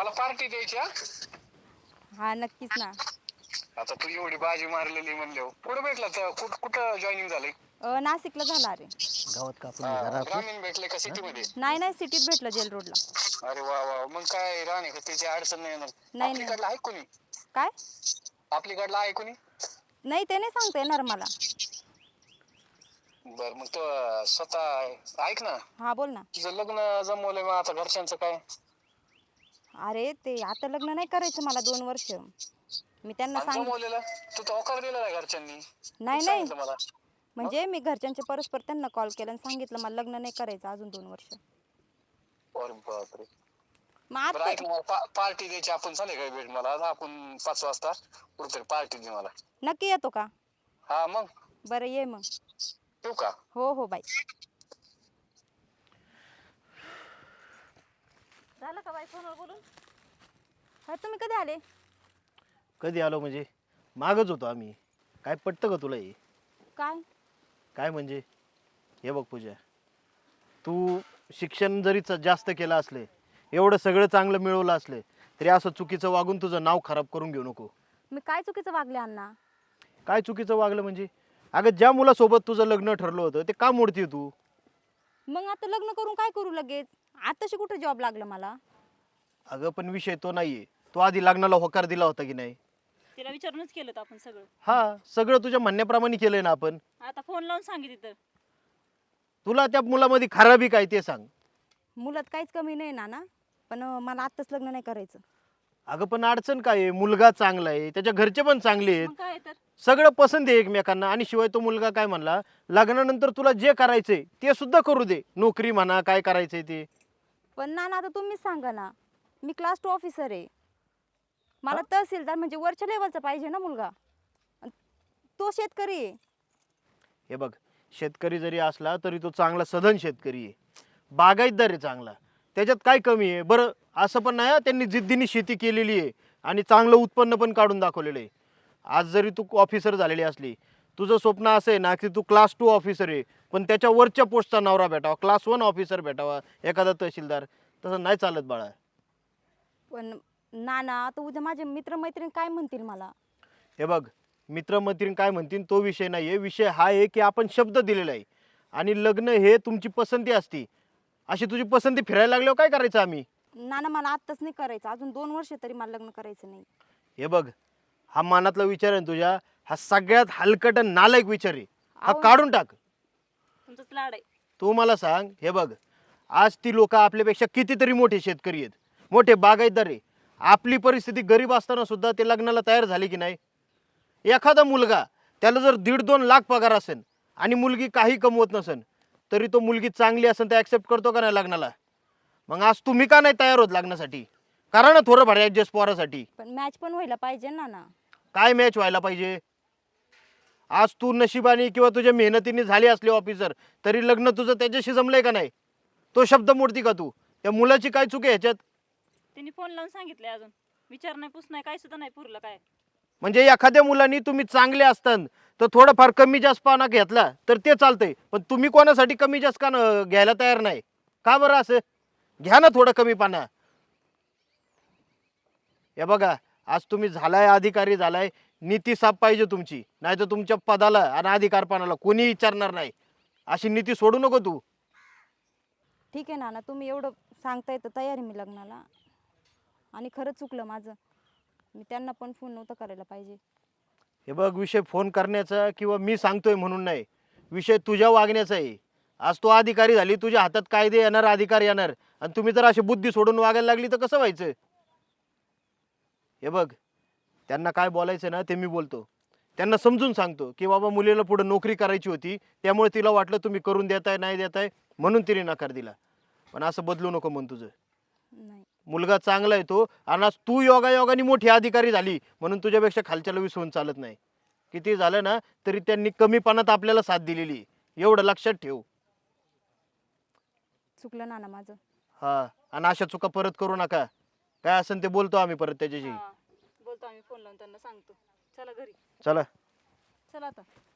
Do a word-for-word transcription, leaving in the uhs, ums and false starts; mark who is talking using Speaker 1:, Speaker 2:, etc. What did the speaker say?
Speaker 1: मला पार्टी द्यायची हा.
Speaker 2: हा नक्कीच ना.
Speaker 1: आता तू एवढी बाजी मारलेली म्हणले कुठं भेटला तर कुठं कुठं जॉईनिंग झालंय?
Speaker 2: अ, नाशिकला झाला रे.
Speaker 3: गावात कापून
Speaker 1: हा,
Speaker 3: जरा
Speaker 1: ग्रामीण भेटले का सिटी मध्ये?
Speaker 2: नाही नाही सिटीत भेटलं जेल रोडला.
Speaker 1: अरे वा वा, मग काय राहणे त्याची अडचण नाही येणार.
Speaker 2: नाही
Speaker 1: आपली
Speaker 2: नाही.
Speaker 1: कडला आहे कोणी?
Speaker 2: काय?
Speaker 1: आपली कडला आहे कोणी?
Speaker 2: नाही ते नाही सांगता येणार मला.
Speaker 1: बर मग तो स्वतः ऐक ना,
Speaker 2: हा बोल ना.
Speaker 1: तुझं लग्न जमवलंय मग आता घरच्यांचं काय?
Speaker 2: अरे ते आता लग्न नाही करायचं मला दोन वर्ष. मी त्यांना
Speaker 1: आणि
Speaker 2: सांग
Speaker 1: जमवलेलं तू तर होकार दिलेला आहे घरच्यांनी.
Speaker 2: नाही
Speaker 1: तू
Speaker 2: नाही
Speaker 1: सांगितलं मला.
Speaker 2: म्हणजे मी घरच्यांच्या परस्पर त्यांना कॉल केला आणि सांगितलं मला लग्न नाही करायचं अजून दोन वर्ष.
Speaker 1: अरे बापरे.
Speaker 2: मग
Speaker 1: बरं
Speaker 2: आता
Speaker 1: ऐक ना, मला पार्टी द्यायची, आपण चालेल काय भेट मला आज आपण पाच वाजता कुठेतरी पार्टी दे मला.
Speaker 2: नक्की येतो का?
Speaker 1: हा मग
Speaker 2: बरं ये मग.
Speaker 1: येऊ का?
Speaker 2: हो हो बाई. झालं का बाई फोनवर बोलून? हा तुम्ही कधी आले?
Speaker 3: कधी आलो म्हणजे मागच होतो आम्ही. काय पटतं का तुला हे?
Speaker 2: काय?
Speaker 3: काय म्हणजे हे बघ पूजा, तू शिक्षण जरी च- जास्त केलं असले, एवढं सगळं चांगलं मिळवलं असले तरी असं चुकीचं वागून तुझं नाव खराब करून घेऊ नको.
Speaker 2: मी काय चुकीचं वागले अण्णा?
Speaker 3: काय चुकीचं वागलं म्हणजे? अगं ज्या मुलासोबत तुझं लग्न ठरलं होतं ते का मोडती तू?
Speaker 2: मग आता लग्न करून काय करू लगेच? आताशी कुठे जॉब लागला मला?
Speaker 3: अगं पण विषय तो नाहीये. तो आधी लग्नाला होकार दिला होता की नाही?
Speaker 4: तिला विचारूनच केलं आपण सगळं.
Speaker 3: हा, सगळं तुझ्या म्हणण्याप्रमाणे केलंय ना आपण.
Speaker 4: आता फोन लावून सांगितलं तर
Speaker 3: तुला त्या मुलामध्ये खराबी काय ते सांग.
Speaker 2: मुलात काहीच कमी नाही ना ना, पण अं, मला आत्ताच लग्न नाही करायचं.
Speaker 3: अगं पण अडचण काय आहे? मुलगा चांगला आहे, त्याच्या घरचे पण चांगले आहेत,
Speaker 4: मग काय तर
Speaker 3: सगळं पसंत आहे एकमेकांना. आणि शिवाय तो मुलगा काय म्हणला, लग्नानंतर तुला जे करायचंय ते सुद्धा करू दे, नोकरी म्हणा काय करायचंय ते.
Speaker 2: पण ना ना आता तुम्हीच सांगा ना, मी क्लास टू ऑफिसर आहे. मला तहसीलदार म्हणजे वरच्या लेवलचा पाहिजे ना मुलगा. अन तो शेतकरी आहे.
Speaker 3: हे बघ, शेतकरी जरी असला तरी तो चांगला सधन शेतकरी आहे, बागायतदार आहे चांगला. त्याच्यात काय कमी आहे? बरं असं पण नाही हा, त्यांनी जिद्दीने शेती केलेली आहे आणि चांगलं उत्पन्न पण काढून दाखवलेलं आहे. आज जरी तू ऑफिसर झालेली असली, तुझं स्वप्न असं आहे ना की तू क्लास टू ऑफिसर आहे पण त्याच्या वरच्या पोस्टचा नवरा भेटावा, क्लास वन ऑफिसर भेटावा, एखादा तहसीलदार. तसं नाही चालत बाळा.
Speaker 2: पण ना ना आता उद्या माझे मित्रमैत्रीण काय म्हणतील मला?
Speaker 3: हे बघ, मित्रमैत्रीण काय म्हणतील तो विषय नाही आहे. विषय हा आहे की आपण शब्द दिलेला आहे आणि लग्न हे तुमची पसंती असती. अशी तुझी पसंती फिरायला लागल्यावर काय करायचं आम्ही?
Speaker 2: ना ना मला आत्ताच नाही करायचं, अजून दोन वर्ष तरी मला लग्न करायचं नाही.
Speaker 3: हे बघ, हा मनातला विचार आहे ना तुझ्या, हा सगळ्यात हलकट आणि नालायक विचार आहे. हा
Speaker 2: अहो.
Speaker 3: काढून टाक.
Speaker 4: तुमचंच लाड आहे.
Speaker 3: तू मला सांग, हे बघ, आज ती लोक आपल्यापेक्षा कितीतरी मोठे शेतकरी आहेत, मोठे बागायतदार आहे. आपली परिस्थिती गरीब असताना सुद्धा ते लग्नाला तयार झाले की नाही? एखादा मुलगा त्याला जर दीड दोन लाख पगार असेल आणि मुलगी काही कमवत नसेल तरी तो मुलगी चांगली असेल तर ॲक्सेप्ट करतो का नाही लग्नाला? मग आज तुम्ही का नाही तयार होत लग्नासाठी? करा ना थोडं भाडे ॲडजस्ट पोरासाठी.
Speaker 2: पण मॅच पण व्हायला पाहिजे ना ना.
Speaker 3: काय मॅच व्हायला पाहिजे? आज तू नशिबाने किंवा तुझ्या मेहनतीने झाली असली ऑफिसर तरी लग्न तुझं त्याच्याशी जमलंय का नाही? तो शब्द मोडती का तू? त्या मुलाची काय चूक आहे ह्याच्यात?
Speaker 4: त्यांनी फोन लावून सांगितले, अजून विचार नाही पूस नाही काय सुद्धा नाही पुरलं काय.
Speaker 3: म्हणजे एखाद्या मुलांनी तुम्ही चांगले असताना तर थोडंफार कमी जास्त पाना घेतला तर ते चालतंय, पण तुम्ही कोणासाठी कमी जास्त का न- घ्यायला तयार नाही? का बरं असं? घ्या ना थोडं कमी पाना. हे बघा, आज तुम्ही झालाय अधिकारी झालाय, नीती साफ पाहिजे तुमची, नाही तर तुमच्या पदाला आणि अधिकारपणाला कोणी विचारणार नाही. अशी नीती सोडू नको तू.
Speaker 2: ठीक आहे ना ना, तुम्ही एवढं सांगताय तर तयार आहे मी लग्नाला. आणि खरंच चुकलं माझं, मी त्यांना पण फोन नव्हता करायला पाहिजे.
Speaker 3: हे बघ, विषय फोन करण्याचा किंवा मी सांगतोय म्हणून नाही, विषय तुझ्या वागण्याचा आहे. आज तू अधिकारी झाली, तुझ्या हातात कायदे येणार, अधिकार येणार, आणि तुम्ही जर अशी बुद्धी सोडून वागायला लागली तर कसं व्हायचं? हे बघ, त्यांना काय बोलायचं ना ते मी बोलतो. त्यांना समजून सांगतो की बाबा मुलीला पुढे नोकरी करायची होती, त्यामुळे तिला वाटलं तुम्ही करून देताय नाही देताय म्हणून तिने नकार दिला. पण असं बदलू नको मन तुझं.
Speaker 2: नाही
Speaker 3: मुलगा चांगला आहे तो, आणि आज तू योगायोगाने मोठी अधिकारी झाली म्हणून तुझ्यापेक्षा खालच्याला विसरून चालत नाही. किती झालं ना तरी त्यांनी कमीपणात आपल्याला साथ दिलेली आहे, एवढं लक्षात ठेव.
Speaker 2: चुकलं ना ना माझं.
Speaker 3: हा, आणि अशा चुका परत करू नका. काय असेल ते बोलतो आम्ही परत त्याच्याशी.
Speaker 4: हा, बोलतो आम्ही फोन लावून त्यांना सांगतो. चला घरी.
Speaker 3: चला.
Speaker 2: चला आता.